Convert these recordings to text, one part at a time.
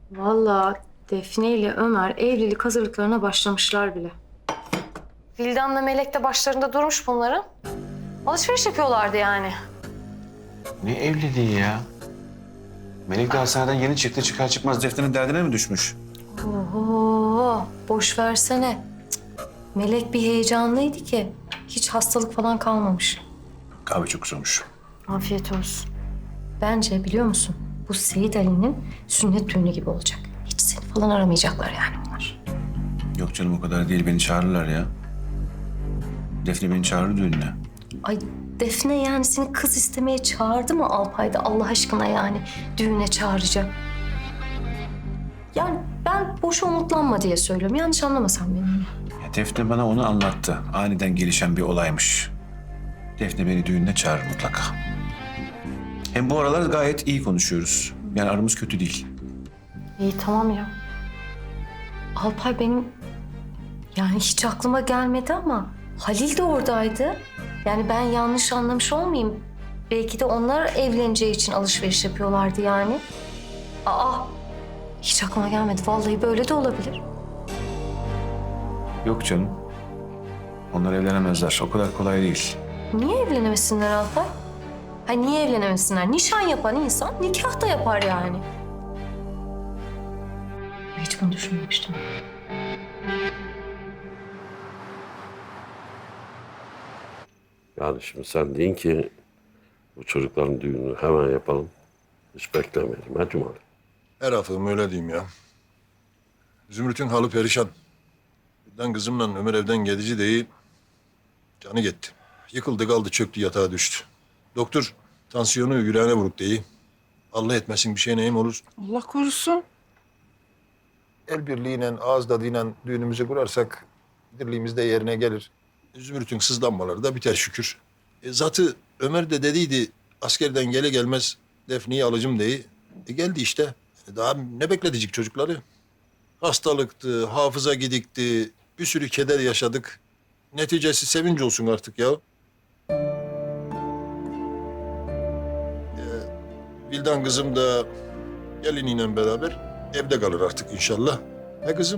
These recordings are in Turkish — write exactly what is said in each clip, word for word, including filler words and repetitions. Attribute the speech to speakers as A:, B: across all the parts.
A: Vallahi Defne ile Ömer evlilik hazırlıklarına başlamışlar bile. Vildan'la Melek de başlarında durmuş bunların. Alışveriş yapıyorlardı yani.
B: Ne evliliği ya? Melek de hastaneden yeni çıktı. Çıkar çıkmaz Defne'nin derdine mi düşmüş?
A: Oho, boş versene. Cık, Melek bir heyecanlıydı ki hiç hastalık falan kalmamış.
B: Kahve çok güzelmiş.
A: Afiyet olsun. Bence biliyor musun? Bu Seyit Ali'nin sünnet düğünü gibi olacak. Hiç seni falan aramayacaklar yani bunlar.
B: Yok canım o kadar değil. Beni çağırırlar ya. Defne beni çağırır düğününe.
A: Ay Defne yani seni kız istemeye çağırdı mı Alpay'da Allah aşkına yani düğüne çağıracak. Yani ben boş umutlanma diye söylüyorum. Yanlış anlamasan beni.
B: Ya Defne bana onu anlattı. Aniden gelişen bir olaymış. Defne beni düğününe çağırır mutlaka. Hem bu aralar gayet iyi konuşuyoruz. Yani aramız kötü değil.
A: İyi tamam ya. Alpay benim yani hiç aklıma gelmedi ama Halil de oradaydı. Yani ben yanlış anlamış olmayayım. Belki de onlar evleneceği için alışveriş yapıyorlardı yani. Aa hiç aklıma gelmedi. Vallahi böyle de olabilir.
B: Yok canım. Onlar evlenemezler. O kadar kolay değil.
A: Niye evlenemesinler Alpay? Ha niye evlenemesinler? Nişan yapan insan nikah da yapar yani. Hiç bunu düşünmemiştim.
C: Yani şimdi sen deyin ki bu çocukların düğününü hemen yapalım. Hiç beklemeyelim. Ha Cumali?
D: Her hafım öyle diyeyim ya. Zümrüt'ün halı perişan. Birden kızımla Ömer evden gidici değil. Canı gitti. Yıkıldı kaldı çöktü yatağa düştü. Doktor tansiyonu yüreğine vuruk değil. Allah etmesin bir şey neyim olur.
E: Allah korusun.
D: El birliğiyle ağız tadıyla düğünümüzü kurarsak dirliğimiz de yerine gelir. Zümrüt'ün sızlanmaları da biter şükür. E, zatı Ömer de dediydi askerden gele gelmez Defne'yi alacağım diye. E, geldi işte. E, daha ne bekletecek çocukları? Hastalıktı, hafıza gidikti, bir sürü keder yaşadık. Neticesi sevinç olsun artık ya. E, Vildan kızım da geliniyle beraber evde kalır artık inşallah. He kızım?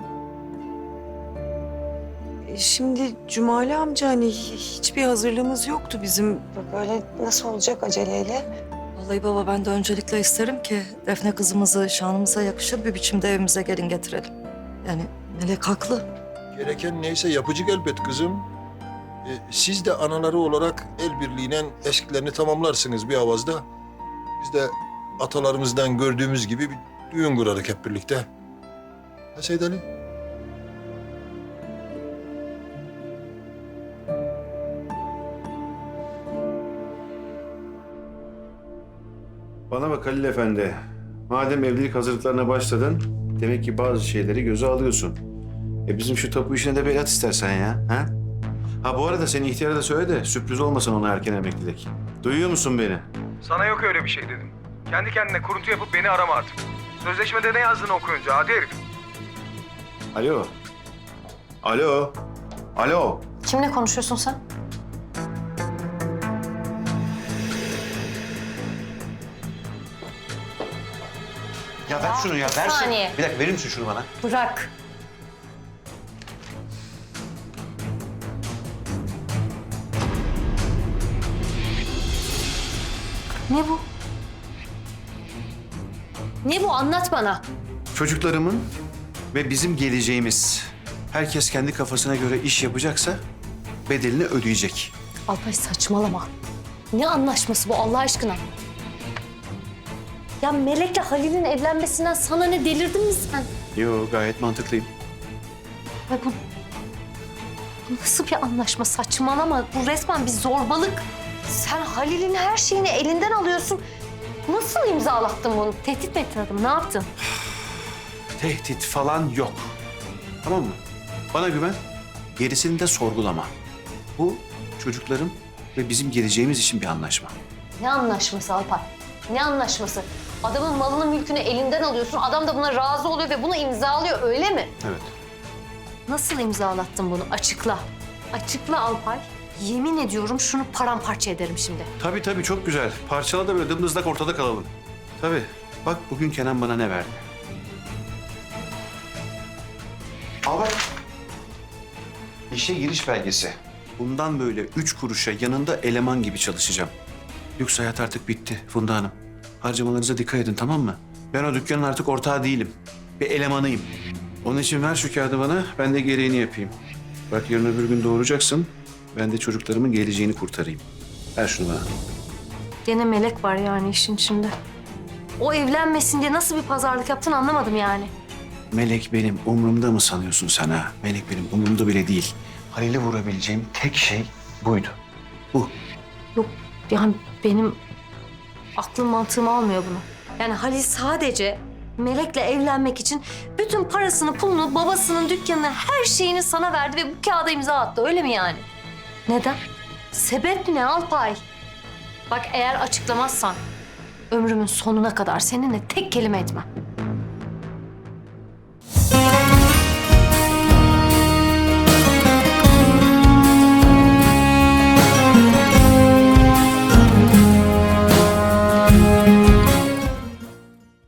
E: E, Şimdi Cumali amca hani hi- hiçbir hazırlığımız yoktu bizim. Böyle nasıl olacak aceleyle?
F: Vallahi baba ben de öncelikle isterim ki Defne kızımızı şanımıza yakışır bir biçimde evimize gelin getirelim. Yani Melek haklı.
D: Gereken neyse yapıcık elbet kızım. E, siz de anaları olarak el birliğiyle eskilerini tamamlarsınız bir avazda. Biz de atalarımızdan gördüğümüz gibi bir düğün kurarız hep birlikte. Ha Seyit Ali?
B: Bana bak Halil Efendi. Madem evlilik hazırlıklarına başladın, demek ki bazı şeyleri göze alıyorsun. E bizim şu tapu işine de bir el at istersen ya. Ha? Ha bu arada senin ihtiyara da söyle de sürpriz olmasın ona erken emeklilik. Duyuyor musun beni?
G: Sana yok öyle bir şey dedim. Kendi kendine kuruntu yapıp beni arama artık. Sözleşmede ne yazdığını okuyunca adi herif.
B: Alo. Alo. Alo.
A: Kimle konuşuyorsun sen?
B: Ya ver şunu ya.
A: bir
B: Versin.
A: saniye.
B: Bir dakika verir misin şunu bana?
A: Bırak. Ne bu? Ne bu? Anlat bana.
B: Çocuklarımın ve bizim geleceğimiz. Herkes kendi kafasına göre iş yapacaksa bedelini ödeyecek.
A: Alpay saçmalama. Ne anlaşması bu Allah aşkına? Ya Melek'le Halil'in evlenmesinden sana ne, delirdin mi sen?
B: Yo gayet mantıklıyım.
A: Ay bu, bu nasıl bir anlaşma? Saçmalama. Bu resmen bir zorbalık. Sen Halil'in her şeyini elinden alıyorsun. Nasıl imzalattın bunu? Tehdit mi ettin adamı? Ne yaptın?
B: Tehdit falan yok. Tamam mı? Bana güven. Gerisini de sorgulama. Bu çocuklarım ve bizim geleceğimiz için bir anlaşma.
A: Ne anlaşması Alpay? Ne anlaşması? Adamın malını mülkünü elinden alıyorsun. Adam da buna razı oluyor ve bunu imzalıyor öyle mi?
B: Evet.
A: Nasıl imzalattın bunu? Açıkla. Açıkla Alpay. Yemin ediyorum şunu paramparça ederim şimdi.
B: Tabii tabii çok güzel. Parçala da böyle dımdızlak ortada kalalım. Tabii. Bak bugün Kenan bana ne verdi? Al bak. İşe giriş belgesi. Bundan böyle üç kuruşa yanında eleman gibi çalışacağım. Yoksa hayat artık bitti Funda Hanım. Harcamalarınıza dikkat edin, tamam mı? Ben o dükkanın artık ortağı değilim. Bir elemanıyım. Onun için ver şu kağıdı bana, ben de gereğini yapayım. Bak yarın öbür gün doğuracaksın. Ben de çocuklarımın geleceğini kurtarayım. Ver şunu bana.
A: Gene Melek var yani işin içinde. O evlenmesin diye nasıl bir pazarlık yaptın anlamadım yani.
B: Melek benim umurumda mı sanıyorsun sen ha? Melek benim umurumda bile değil. Halil'i vurabileceğim tek şey buydu. Bu.
A: Yok yani benim aklım mantığım almıyor bunu. Yani Halil sadece Melek'le evlenmek için bütün parasını, pulunu, babasının dükkanını, her şeyini sana verdi ve bu kağıda imza attı. Öyle mi yani? Neden? Sebep ne Alpay? Bak eğer açıklamazsan ömrümün sonuna kadar seninle tek kelime etmem.